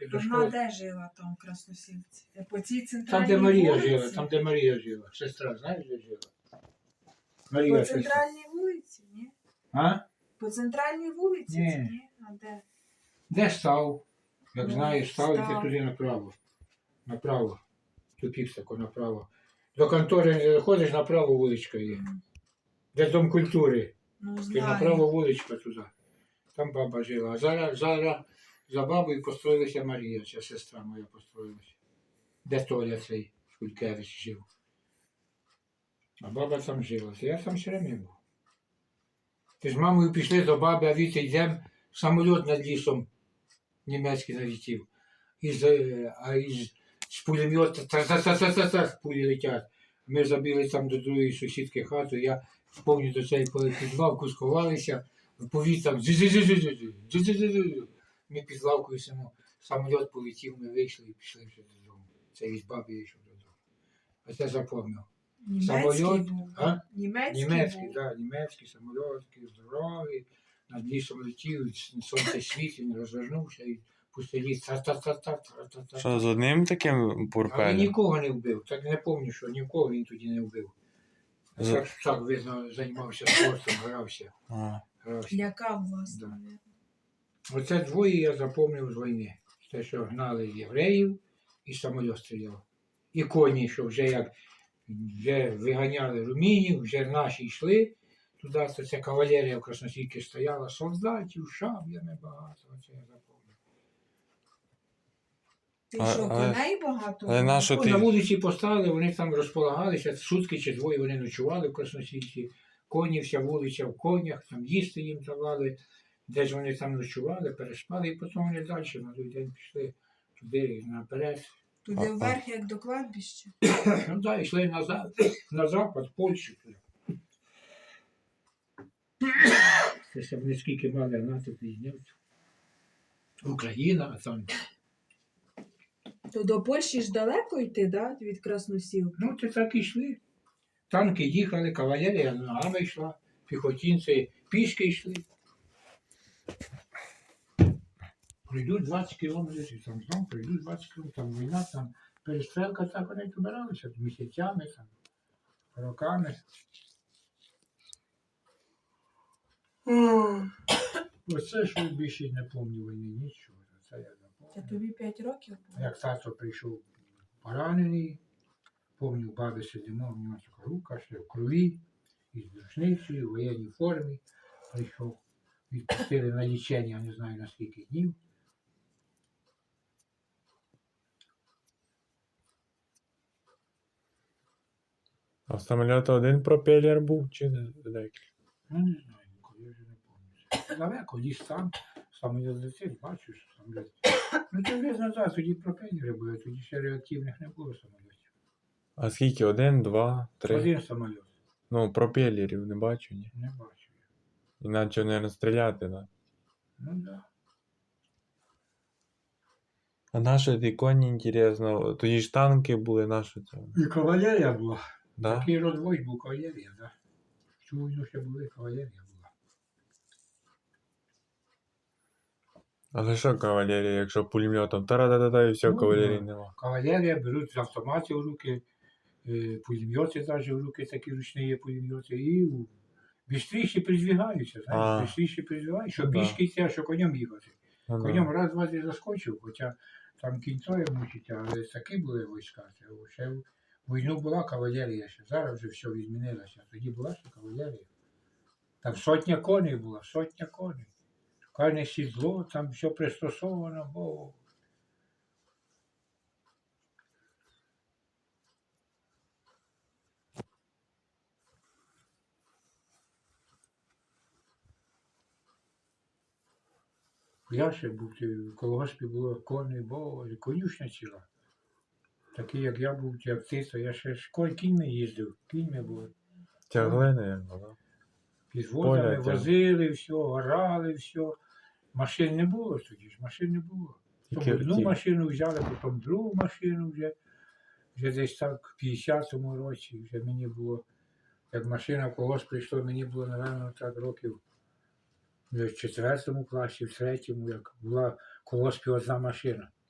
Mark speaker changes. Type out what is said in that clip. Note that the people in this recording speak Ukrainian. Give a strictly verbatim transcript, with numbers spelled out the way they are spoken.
Speaker 1: до
Speaker 2: Вона
Speaker 1: школи.
Speaker 2: де жила там, в Красносілці? По цій
Speaker 1: Там,
Speaker 2: центральній
Speaker 1: де Марія
Speaker 2: вулиці?
Speaker 1: жила, там, де Марія жила. Сестра, знаєш, де жила?
Speaker 2: По
Speaker 1: Марія сестра.
Speaker 2: центральній вулиці, ні?
Speaker 1: А?
Speaker 2: По центральній вулиці,
Speaker 1: Ні.
Speaker 2: це ні? А де?
Speaker 1: Де став? Як
Speaker 2: Ну,
Speaker 1: знаєш, став,
Speaker 2: став.
Speaker 1: йти туди направо. Направо. Тупік тако направо. До контори не заходиш, направо вуличка є. Де Дом культури.
Speaker 2: Ну,
Speaker 1: І
Speaker 2: знаю.
Speaker 1: направо вуличка туди. Там баба жила. А зараз, зараз за бабою построїлася Марія, ця сестра моя построїлася. Де Толя цей Шулькевич жив. А баба там жила. Я там все время був. Ти з мамою пішли до баби, а віти йдемо, самоліт над лісом німецький налетів. Із, е, а із з пулемета та-та-та-та-та пулі летять. Ми забіли там до другої сусідки хату, я повністю до цієї під лавку сховалися, в повітрям дзю-дзю-дзю-дзю-дзю, дзю-дзю-дзю-дзю. Ми під лавкою симо, самоліт полетів, ми вийшли і пішли вже додому. Це із баби я йшов додому. А це запомнив.
Speaker 2: Німецький
Speaker 1: Самоліт,
Speaker 2: був.
Speaker 1: а?
Speaker 2: Німецький,
Speaker 1: Німецький,
Speaker 2: був.
Speaker 1: так, да, німецький самоліт, такий здоровий, над лісом летів, сонце світить, він розвернувся і пустий ліс, та-та-та-та-та-та-та.
Speaker 3: Що, з одним таким
Speaker 1: Але він
Speaker 3: бурпелем?
Speaker 1: нікого не вбив, так не пам'ятаю, що нікого він тоді не вбив. А
Speaker 3: За-
Speaker 1: так, так, видно, займався спортом, грався.
Speaker 3: А.
Speaker 1: грався.
Speaker 2: Лякав вас,
Speaker 1: Да.
Speaker 2: мабуть.
Speaker 1: Оце двоє я запам'ятав з війни. Те, що гнали євреїв і самоліт стріляв. І коні, що вже як вже виганяли румінів, вже наші йшли туди, то це кавалерія в Красносільці стояла, солдатів, шаблями багато, оце я запам'ятав.
Speaker 2: Ти
Speaker 3: А-
Speaker 2: що,
Speaker 3: але-
Speaker 2: коней багато?
Speaker 3: але
Speaker 2: було?
Speaker 3: нащо
Speaker 1: Ну,
Speaker 3: ти-
Speaker 1: на вулиці поставили, вони там розполагалися, сутки чи двоє вони ночували в Красносільці, коні, вся вулиця в конях, там їсти їм давали, де ж вони там ночували, переспали, і потім вони далі на той день пішли туди наперед.
Speaker 2: Туди
Speaker 3: А-
Speaker 2: вверх, як до кладбища.
Speaker 1: Ну так, йшли назад, на запад, в Польщу. Це ще вони скільки мали НАТО приїздівців. Україна, а там.
Speaker 2: То до Польщі ж далеко йти, да? Від Красносілки?
Speaker 1: Ну, ти так і йшли. Танки їхали, кавалерія ногами йшла, піхотінці пішки йшли. Пройдуть двадцять кілометрів, там знов пройдуть двадцять кілометрів, там війна, там перестрелка, так вони добиралися місяцями, там, роками. Оце що більше не пам'ятаю війни, нічого. Це я
Speaker 2: Це
Speaker 1: запам'ятав.
Speaker 2: тобі п'ять років було?
Speaker 1: Як тато прийшов поранений, пам'ятаю, баби сидимо, в нього така рука, ще в крові, із рушницею, в воєнній формі прийшов. Відпустили на лічення, не знаю на скільки днів.
Speaker 3: А в самоліта один пропелер був чи декілька?
Speaker 1: Ну, не знаю, ніколи, я вже не пам'ятаю. Далеко, ліс там, самоліт летить, бачу, що самоліт. Ну, то вже назад, тоді пропелери були, тоді ще реактивних не було самолітів.
Speaker 3: А скільки? Один, два, три?
Speaker 1: Один самоліт,
Speaker 3: Ну, пропелерів не бачу, ні.
Speaker 1: не бачу я.
Speaker 3: Іначе не стріляти, да.
Speaker 1: Ну, так. Да.
Speaker 3: А наші ті коні, інтересно, тоді ж танки були, наші це.
Speaker 1: І кавалерія була.
Speaker 3: Да?
Speaker 1: Такий розвой був кавалерія, так. Да. Всю війну ще були, кавалерія була.
Speaker 3: Але що кавалерія, якщо пулеметом тара-да-да-да і все,
Speaker 1: Ну,
Speaker 3: кавалерії
Speaker 1: да.
Speaker 3: нема.
Speaker 1: Кавалерія беруть з автоматів в руки, е, пулемети навіть в руки, такі ручні є пулемети, і бістріше призвігаються,
Speaker 3: А.
Speaker 1: знаєш, бістріше призвігаються, що
Speaker 3: Ну, да.
Speaker 1: пішки йти, а що конем їхати.
Speaker 3: Ну, да.
Speaker 1: Конем раз, два, три заскочив, хоча там кінцою мучить, але такі були війська. Це ще в війну була кавалерія ще, зараз вже все відмінилося, тоді була ще кавалерія. Там сотня коней була, сотня коней. Кожне сідло, там все пристосовано, бо я ще був, в колгоспі було коней, бо конюшня ціла. Такий, як я був, як ти, то я ще ж конь кіньми їздив, кіньми було.
Speaker 3: Тягли, наверное, да?
Speaker 1: Підвозами
Speaker 3: Поля тягли.
Speaker 1: возили, все, орали, все. Машин не було тоді ж, машин не було. Тому
Speaker 3: Тільки-
Speaker 1: одну
Speaker 3: ті-
Speaker 1: машину взяли, потім другу машину вже. Вже десь так в п'ятдесятому році вже мені було, як машина в колгосп прийшла, мені було, напевно, так років в четвертому класі, в третьому, як була в колгоспі одна машина.